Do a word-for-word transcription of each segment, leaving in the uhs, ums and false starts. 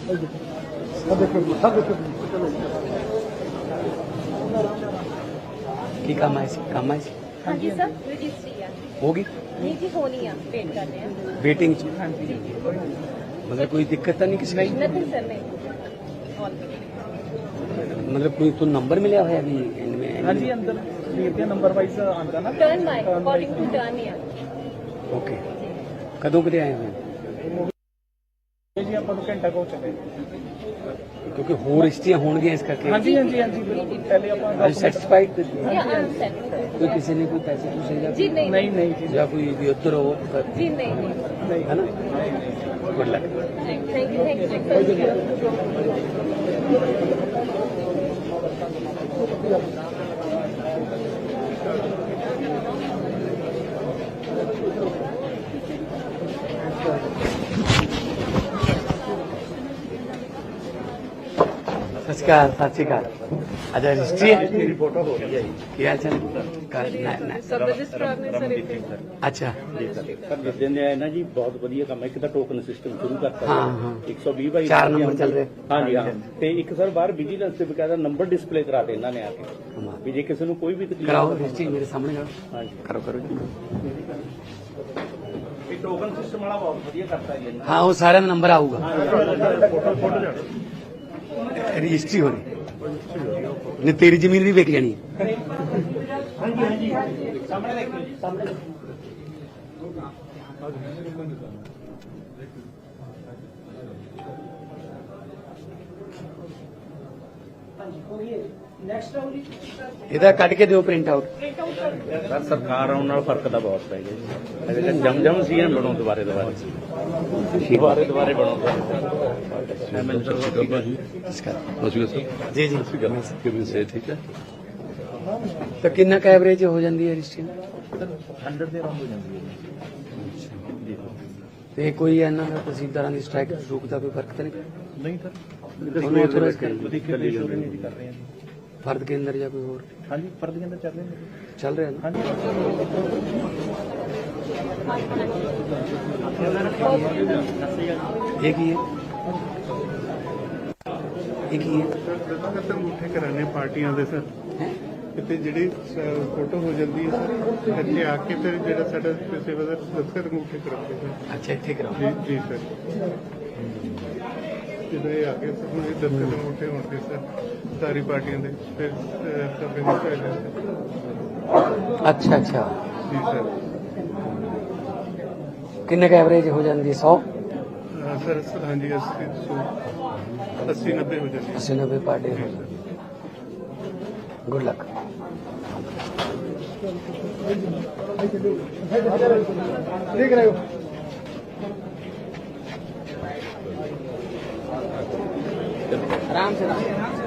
की काम है काम है हाँ जी सर रजिस्ट्री है होगी नहीं जी होनी है वेट कर रहे हैं वेटिंग च हाँ जी मतलब कोई दिक्कत तो नहीं किसी का नथिंग सर नहीं ऑल मतलब कोई तो नंबर मिला हुआ है अभी इनमें हाँ जी अंदर वीर के नंबर वाइज आंदा ना turn by according to turn ही है ओके कदों कदे आए हुए जी ਆਪਾਂ ਨੂੰ ਘੰਟਾ ਕੋ ਚੱਲੇ क्योंकि होर हिस्ट्रियां होंगियां इस करके हाँ जी हाँ जी हाँ जी बिल्कुल पहले ਆਪਾਂ सैटिस्फाइड या आई एम सेट कोई किसी ने कोई पैसे पूछे या जी नहीं नहीं नहीं जी या कोई भी उधर हो जी नहीं नहीं है ना good luck thank you thank you Sat Sri अकाल सत श्री अकाल अच्छा रजिस्ट्री है मेरी फोटो हो रही है क्या चल सब रजिस्ट्रार ने सर इतने अच्छा ਜੀ ਸਰ ਸਰ ਦੱਸਦੇ ਨੇ ਨਾ ਜੀ ਬਹੁਤ ਵਧੀਆ ਕੰਮ ਹੈ। ਇੱਕ ਤਾਂ ਟੋਕਨ ਸਿਸਟਮ ਸ਼ੁਰੂ ਕਰਤਾ ਹਾਂ, ਹਾਂ। ਇੱਕ ਸੌ ਵੀਹ ਬਾਈ ਚਾਰ ਨੰਬਰ ਚੱਲ ਰਹੇ। ਹਾਂਜੀ ਹਾਂ ਤੇ ਇੱਕ ਸਰ ਬਾਹਰ ਵਿਜੀਲੈਂਸ ਤੇ ਬਕਾਇਦਾ ਨੰਬਰ ਡਿਸਪਲੇ ਕਰਾ ਦੇ ਇਹਨਾਂ ਨੇ ਆ ਕੇ ਵੀ ਜੇ ਕਿਸੇ ਨੂੰ ਕੋਈ ਵੀ ਤਕਲੀਫ कराओ रजिस्ट्री मेरे सामने करो ਹਾਂਜੀ करो करो जी। ਇਹ ਟੋਕਨ ਸਿਸਟਮ ਵਾਲਾ ਬਹੁਤ ਵਧੀਆ ਕਰਤਾ ਜੀ ਇਹਨਾਂ हाँ वो सारे में नंबर आऊगा ਫੋਟੋ ਫੋਟੋ रजिस्ट्री हो रही नहीं तेरी जमीन भी बेच जानी है ਹਾਂਜੀ ਹਾਂਜੀ ਸਾਹਮਣੇ ਦੇਖੋ ਜੀ ਸਾਹਮਣੇ ਇਹਦਾ ਕੱਢ ਕੇ ਦਿਓ ਪ੍ਰਿੰਟ ਆਊਟ ਸਰ ਸਰਕਾਰ ਆਉਣ ਨਾਲ ਫਰਕ ਤਾਂ ਬਹੁਤ ਪੈ ਗਿਆ ਜੀ ਅਜੇ ਤਾਂ ਜਮ ਜਮ ਸੀ ਬਣੋ ਦੁਬਾਰੇ ਦੁਬਾਰੇ ਦੁਬਾਰੇ ਦੁਬਾਰੇ ਬਣੋ ਐਮਐਲਏ ਨਮਸਕਾਰ ਸਤਿ ਸ਼੍ਰੀ ਜੀ ਜੀ ਅਕਾਲ ਕਿਵੇਂ ਸੇ ਠੀਕ ਹੈ ਤਾਂ ਕਿੰਨਾ ਕੁ ਐਵਰੇਜ ਹੋ ਜਾਂਦੀ ਹੈ ਰਜਿਸਟਰੀ ਹੰਡਰਡ ਦੇ ਅਰਾਊਂਡ ਹੋ ਜਾਂਦੀ ਹੈ ਜੀ ਤੇ ਕੋਈ ਇਹਨਾਂ ਦਾ ਤਹਿਸੀਲਦਾਰਾਂ ਦੀ ਸਟ੍ਰਾਈਕ ਰੂਕ ਦਾ ਕੋਈ ਫਰਕ ਤਾਂ ਨਹੀਂ ਨਹੀਂ ਸਰ ਉਹਨੂੰ authorise ਕਰੀ। ਵਧੀਆ ਕਰ ਰਹੇ ਹਾਂ ਜੀ ਫਰਦ ਕੇ ਅੰਦਰ ਜਾਂ ਕੋਈ ਹੋਰ ਹਾਂਜੀ ਫਰਦ ਦੇ ਅੰਦਰ ਚੱਲ ਰਹੇ ਨੇ ਚੱਲ ਰਿਹਾ ਨਾ ਹਾਂਜੀ ਇਹ ਕੀ ਹੈ ਇਹ ਕੀ ਹੈ ਤਾਂ ਅੰਗੂਠੇ ਕਰਾਣੇ ਪਾਰਟੀਆਂ ਦੇ ਸਰ ਹੈਂ? ਕਿਤੇ ਜਿਹੜੀ ਫੋਟੋ ਹੋ ਜਾਂਦੀ ਹੈ ਸਰ ਇੱਥੇ ਆ ਕੇ ਫਿਰ ਜਿਹੜਾ ਸਾਡਾ ਪੇਸ਼ੇਵਰ ਦਾ ਦਫ਼ਤਰ ਅੰਗੂਠੇ ਕਰਾਉਂਦੇ ਸਰ ਅੱਛਾ ਇੱਥੇ ਕਰਾਓ ਜੀ ਜੀ ਸਰ ਜਦੋਂ ਇਹ ਆ ਕੇ ਸਰ ਹੁਣ ਇਹ ਦਫ਼ਤਰ ਅੰਗੂਠੇ ਹੋਣਗੇ ਸਰ ਸਾਰੀ ਪਾਰਟੀਆਂ ਦੇ ਫਿਰ ਸਭੇ ਨੂੰ ਚਾਹੀਦਾ ਅੱਛਾ ਅੱਛਾ ਜੀ ਸਰ ਕਿੰਨੇ ਕੁ ਐਵਰੇਜ ਹੋ ਜਾਂਦੀ ਹੈ ਸੌ ਅਹ ਸਰ ਸਰ ਹਾਂਜੀ ਅੱਸੀ ਸੌ ਅੱਸੀ ਨੱਬੇ ਹੋ ਜਾਂਦੀ ਹੈ अस्सी नब्बे पर डे हो गुड लक देख रहे हो आराम से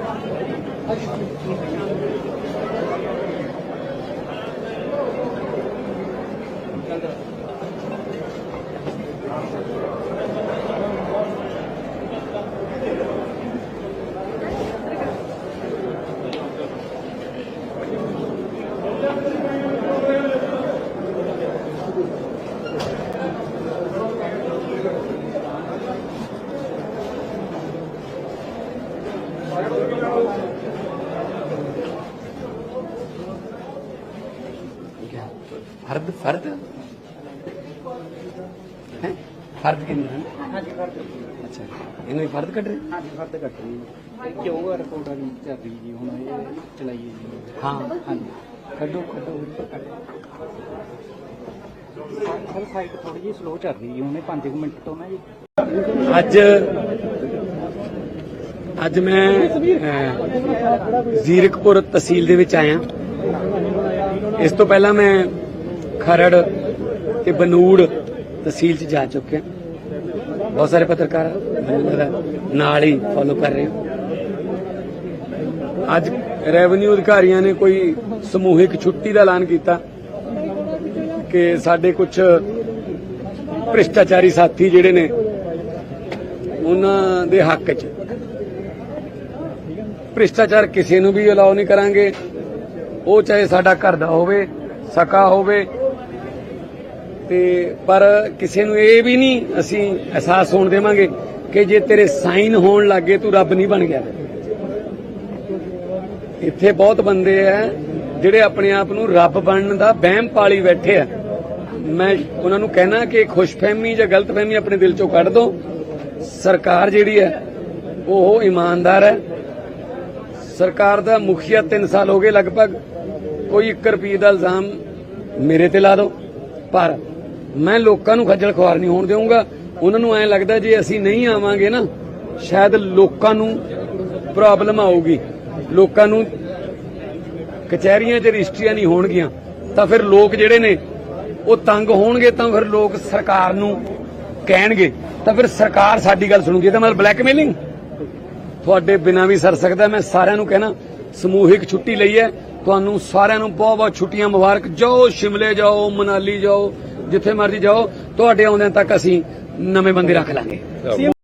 फर्द फर्द है फर्द के अंदर हाँ जी फर्द अच्छा इन्हें फर्द कट रहे हाँ जी फर्द कट रही है क्यों रिपोर्ट वाली चल रही जी हम ये चलाइए जी हाँ हाँ जी कटो कटो सर साइट थोड़ी जी स्लो चल रही है उन्हें पाँच मिनट तो ना जी ਅੱਜ ਅੱਜ ਮੈਂ ਅਹ, ਜ਼ੀਰਕਪੁਰ ਤਹਿਸੀਲ ਦੇ ਵਿੱਚ ਆਇਆ ਇਸ ਤੋਂ ਪਹਿਲਾਂ ਮੈਂ ਖਰੜ ਤੇ ਬਨੂੜ ਤਹਿਸੀਲ 'ਚ ਜਾ ਚੁੱਕਿਆ ਬਹੁਤ ਸਾਰੇ ਪੱਤਰਕਾਰ ਮੈਨੂੰ ਲੱਗਦਾ ਨਾਲ ਹੀ ਫੋਲੋ ਕਰ ਰਹੇ ਹੋ ਅੱਜ ਰੈਵਨਿਊ ਅਧਿਕਾਰੀਆਂ ਨੇ ਕੋਈ ਸਮੂਹਿਕ ਛੁੱਟੀ ਦਾ ਐਲਾਨ ਕੀਤਾ ਕਿ ਸਾਡੇ ਕੁਝ ਭ੍ਰਿਸ਼ਟਾਚਾਰੀ ਸਾਥੀ ਜਿਹੜੇ ਨੇ ਉਹਨਾਂ ਦੇ ਹੱਕ 'ਚ ਭ੍ਰਿਸ਼ਟਾਚਾਰ ਕਿਸੇ ਨੂੰ ਵੀ ਅਲਾਉ ਨਹੀਂ ਕਰਾਂਗੇ ਉਹ ਚਾਹੇ ਸਾਡਾ ਘਰ ਦਾ ਹੋਵੇ ਸਕਾ ਹੋਵੇ ਤੇ ਪਰ ਕਿਸੇ ਨੂੰ ਇਹ ਵੀ ਨਹੀਂ ਅਸੀਂ ਅਹਿਸਾਸ ਹੋਣ ਦੇਵਾਂਗੇ ਕਿ ਜੇ ਤੇਰੇ ਸਾਈਨ ਹੋਣ ਲੱਗੇ ਤੂੰ ਰੱਬ ਨਹੀਂ ਬਣ ਗਿਆ। ਇੱਥੇ ਬਹੁਤ ਬੰਦੇ ਐ ਜਿਹੜੇ ਆਪਣੇ ਆਪ ਨੂੰ ਰੱਬ ਬਣਨ ਦਾ ਵਹਿਮ ਪਾਲੀ ਬੈਠੇ ਆ। ਮੈਂ ਉਹਨਾਂ ਨੂੰ ਕਹਿਣਾ ਕਿ ਖੁਸ਼ਫਹਿਮੀ ਜਾਂ ਗਲਤਫਹਿਮੀ ਆਪਣੇ ਦਿਲ ਚੋਂ ਕੱਢ ਦਿਓ। ਸਰਕਾਰ ਜਿਹੜੀ ਹੈ ਉਹ ਇਮਾਨਦਾਰ ਹੈ। ਸਰਕਾਰ ਦਾ ਮੁਖੀਆ ਤਿੰਨ ਸਾਲ ਹੋ ਗਏ ਲਗਭਗ, ਕੋਈ ਇੱਕ ਰੁਪਈਏ ਦਾ ਇਲਜ਼ਾਮ ਮੇਰੇ ਤੇ ਲਾ ਦਿਓ, ਪਰ ਮੈਂ ਲੋਕਾਂ ਨੂੰ ਖੱਜਲ ਖੁਆਰ ਨਹੀਂ ਹੋਣ ਦੇਵਾਂਗਾ। ਉਹਨਾਂ ਨੂੰ ਐਂ ਲੱਗਦਾ ਜੇ ਅਸੀਂ ਨਹੀਂ ਆਵਾਂਗੇ ਨਾ ਸ਼ਾਇਦ ਲੋਕਾਂ ਨੂੰ ਪ੍ਰੋਬਲਮ ਆਊਗੀ, ਲੋਕਾਂ ਨੂੰ ਕਚਹਿਰੀਆਂ 'ਚ ਰਜਿਸਟਰੀਆਂ ਨਹੀਂ ਹੋਣਗੀਆਂ, ਤਾਂ ਫਿਰ ਲੋਕ ਜਿਹੜੇ ਨੇ ਉਹ ਤੰਗ ਹੋਣਗੇ, ਤਾਂ ਫਿਰ ਲੋਕ ਸਰਕਾਰ ਨੂੰ ਕਹਿਣਗੇ, ਤਾਂ ਫਿਰ ਸਰਕਾਰ ਸਾਡੀ ਗੱਲ ਸੁਣੂਗੀ। ਇਹਦਾ ਮਤਲਬ ਬਲੈਕਮੇਲਿੰਗ ਤੁਹਾਡੇ ਬਿਨਾਂ ਵੀ ਸਰ ਸਕਦਾ। ਮੈਂ ਸਾਰਿਆਂ ਨੂੰ ਕਹਿਣਾ ਸਮੂਹਿਕ ਛੁੱਟੀ ਲਈ ਹੈ, ਤੁਹਾਨੂੰ ਸਾਰਿਆਂ ਨੂੰ ਬਹੁਤ ਬਹੁਤ ਛੁੱਟੀਆਂ ਮੁਬਾਰਕ। ਜਾਓ ਸ਼ਿਮਲੇ ਜਾਓ, ਮਨਾਲੀ ਜਾਓ, ਜਿੱਥੇ ਮਰਜ਼ੀ ਜਾਓ, ਤੁਹਾਡੇ ਆਉਂਦਿਆਂ ਤੱਕ ਅਸੀਂ ਨਵੇਂ ਬੰਦੇ ਰੱਖ ਲਾਂਗੇ।